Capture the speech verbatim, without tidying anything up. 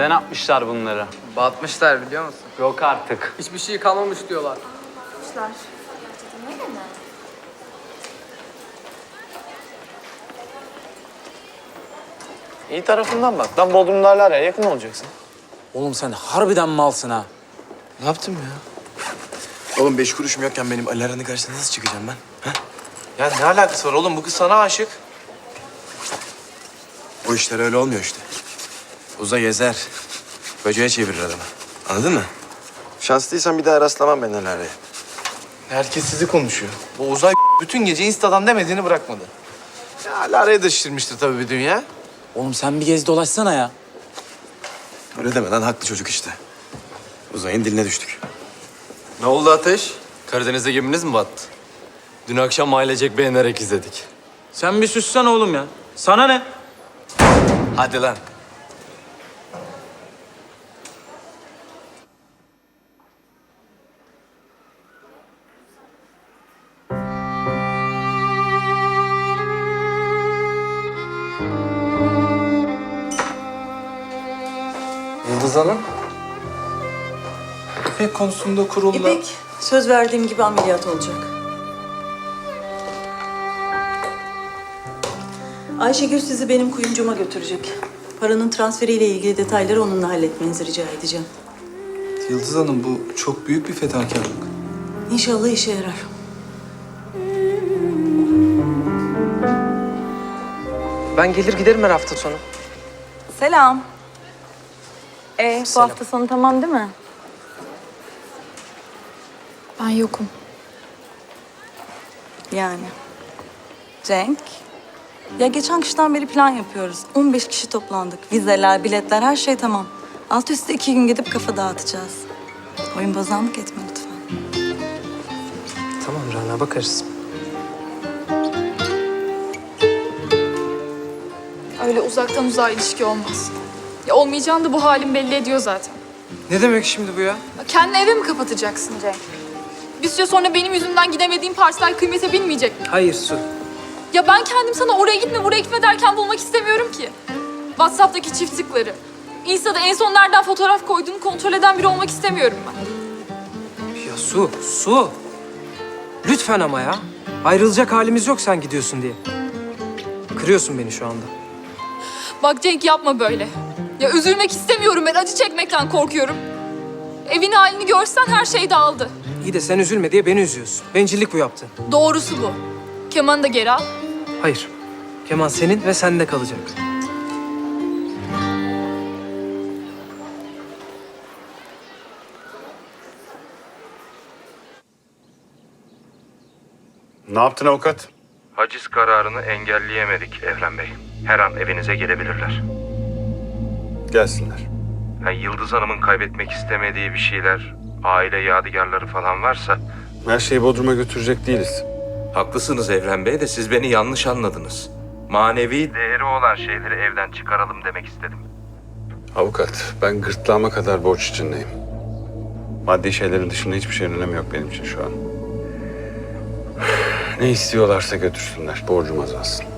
Neden atmışlar bunları? Batmışlar biliyor musun? Yok artık. Hiçbir şey kalmamış diyorlar. Kuşlar. Ne mi? İyi tarafından bak. Lan Bodrum'da hala yakın olacaksın. Oğlum sen harbiden malsın ha. Ne yaptım ya? Oğlum beş kuruşum yokken benim Alara'nın karşısına nasıl çıkacağım ben? Ha? Ya ne alakası var oğlum? Bu kız sana aşık. O işler öyle olmuyor işte. Uza gezer. Böceğe çevirir adamı. Anladın mı? Şanslıysan bir daha rastlamam ben Alara'ya. Herkes sizi konuşuyor. Bu Uzay bütün gece Insta'dan demediğini bırakmadı. Ya Alara'ya da şişirmiştir tabii bir dünya. Oğlum sen bir gez dolaşsana ya. Öyle deme lan, haklı çocuk işte. Uzay'ın diline düştük. Ne oldu Ateş? Karadeniz'de geminiz mi battı? Dün akşam ailecek beğenerek izledik. Sen bir süssen oğlum ya. Sana ne? Hadi lan. Yıldız Hanım. İpek konusunda kurulla... İpek, söz verdiğim gibi ameliyat olacak. Ayşegül sizi benim kuyumcuma götürecek. Paranın transferiyle ilgili detayları onunla halletmenizi rica edeceğim. Yıldız Hanım, bu çok büyük bir fedakarlık. İnşallah işe yarar. Ben gelir giderim her hafta sonu. Selam. Ee, bu hafta sonu tamam değil mi? Ben yokum. Yani. Cenk. Ya geçen kıştan beri plan yapıyoruz. on beş kişi toplandık. Vizeler, biletler, her şey tamam. Alt üstte iki gün gidip kafa dağıtacağız. Oyun bozanlık etme lütfen. Tamam Rana, bakarız. Öyle uzaktan uzağa ilişki olmaz. Ya olmayacağını da bu halin belli ediyor zaten. Ne demek şimdi bu ya? Ya kendini eve mi kapatacaksın Cenk? Bir süre sonra benim yüzümden gidemediğim partiler kıymete binmeyecek mi? Hayır Su. Ya ben kendim sana oraya gitme buraya gitme derken bulmak istemiyorum ki. WhatsApp'taki çift tıkları. Insta'da en son nereden fotoğraf koyduğunu kontrol eden biri olmak istemiyorum ben. Ya Su, Su. Lütfen ama ya. Ayrılacak halimiz yok sen gidiyorsun diye. Kırıyorsun beni şu anda. Bak Cenk yapma böyle. Ya üzülmek istemiyorum ben, acı çekmekten korkuyorum. Evin halini görsen her şey dağıldı. İyi de sen üzülme diye beni üzüyorsun. Bencillik bu yaptın. Doğrusu bu. Kemanı da geri al. Hayır. Keman senin ve sende kalacak. Ne yaptın avukat? Haciz kararını engelleyemedik Evren Bey. Her an evinize gelebilirler. Gelsinler. Yani Yıldız Hanım'ın kaybetmek istemediği bir şeyler, aile yadigarları falan varsa... Her şeyi Bodrum'a götürecek değiliz. Haklısınız Evren Bey de siz beni yanlış anladınız. Manevi değeri olan şeyleri evden çıkaralım demek istedim. Avukat, ben gırtlağıma kadar borç içindeyim. Maddi şeylerin dışında hiçbir şeyin önemi yok benim için şu an. Ne istiyorlarsa götürsünler, borcum azalsın.